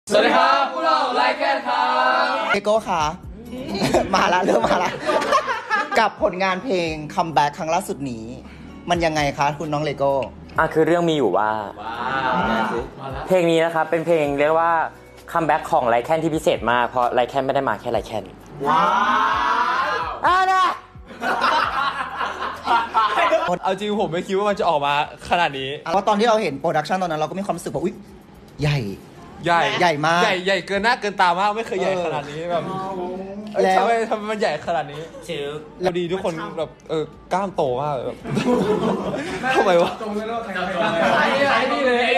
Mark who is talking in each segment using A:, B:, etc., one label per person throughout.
A: สวัสดีครับพวกเราไลค์แคนครับ
B: เลโก้ค่ะ มาละเริ่มมาละกับผลงานเพลงคัมแบ็กครั้งล่าสุดนี้ มันยังไงคะคุณน้องเลโก้
C: คือเรื่องมีอยู่ว่าเพลงนี้นะครับเป็นเพลงเรียกว่าคัมแบ็กของไลแคนที่พิเศษมากเพราะไลแคนไม่ได้มาแค่ไลแคนว้าวนะ
A: เอาจริงผมไม่คิดว่ามันจะออกมาขนาดนี้
B: เพราะตอนที่เราเห็นโปรดักชันตอนนั้นเราก็มีความรู้สึกว่าอุ๊ยใหญ่
A: ใหญ่
B: มาก
A: ใหญ่เกินหน้าเกินตามากไม่เคยใหญ่ขนาดนี้แบบ
B: แล้ว
A: ทำไมมันใหญ่ขนาดนี้เราดีทุกคนแบบกล้ามโตมากแบบทำไมวะไอ้นี่เลย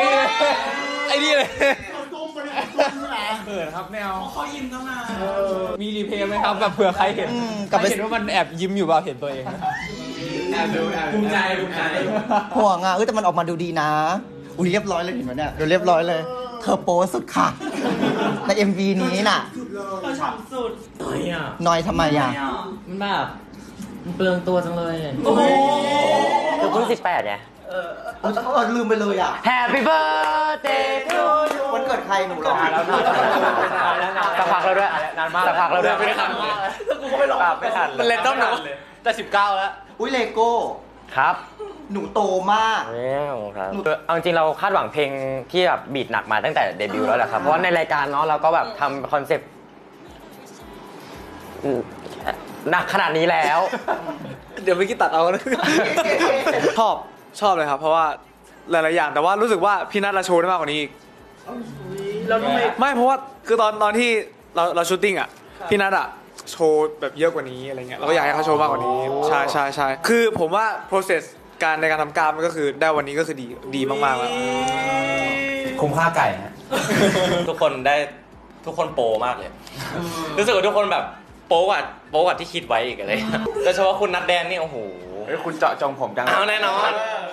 A: เขินครับแนวเขายิ้มตั้งนานมีรีเพลย์ไหมครับแบบเผื่อใครเห็นใครเห็นว่ามันแอบยิ้มอยู่เปล่าเห็นตัวเองแอบดูภูมิใจ
B: ห่วงอ่ะแต่มันออกมาดูดีนะอุ้ยเรียบร้อยเลยเห็นไหมเนี่ยดูเรียบร้อยเลยเธอโป๊สุดค่ะใน MV นี้น่ะ
D: เธอฉ่ำสุด
B: น้อยทำไมอ่ะ
E: มันแบบมันเปลืองตัวจังเลย
D: โอ้โห
C: คือเพิ่ง18ไง
B: ลืมไปเลยอ่ะ
C: Happy birthday to you
B: วันเกิดใครหนูหรอ
C: สักพักแล้วด้วยนานมากสักพักแล้วด้วยไม่ทัน
A: กูก็ไม่ลองไม่ทันมันเล่นต้องหนักแต่19แล้ว
B: อุ้ยเลโก้
C: ครับ
B: หนูโตมาก
C: ครับเอาจริงเราคาดหวังเพลงที่แบบบีทหนักมาตั้งแต่เดบิวต์แล้วแหละครับเพราะว่าในรายการเนาะเราก็แบบทำคอนเซปต์หนักขนาดนี้แล้ว
A: เดี๋ยวไม่คิดตัดเอานะ
F: ชอบเลยครับเพราะว่าหลายๆอย่างแต่ว่ารู้สึกว่าพี่นัทเราโชว์ได้มากกว่านี้อีก
D: แล้วทำไม
F: ไม่เพราะว่าคือตอนที่เราชูตติ้งอ่ะพี่นัทอ่ะโชว์แบบเยอะกว่านี้อะไรเงี้ยเราก็อยากให้เขาโชว์มากกว่านี้ใช่คือผมว่า process การในการทำกล้ามมันก็คือได้วันนี้ก็คือดีมากๆแล้ว
E: คุ้มค่าไก่ฮะ
G: ทุกคนโปรมากเลย รู้สึกว่าทุกคนแบบโปรกว่าที่คิดไว้อีกอะไรโดยเฉพาะคุณนัดแดนนี่โอ้โห
C: คุณเจาะจงผมจัง
G: เอาแน่นอน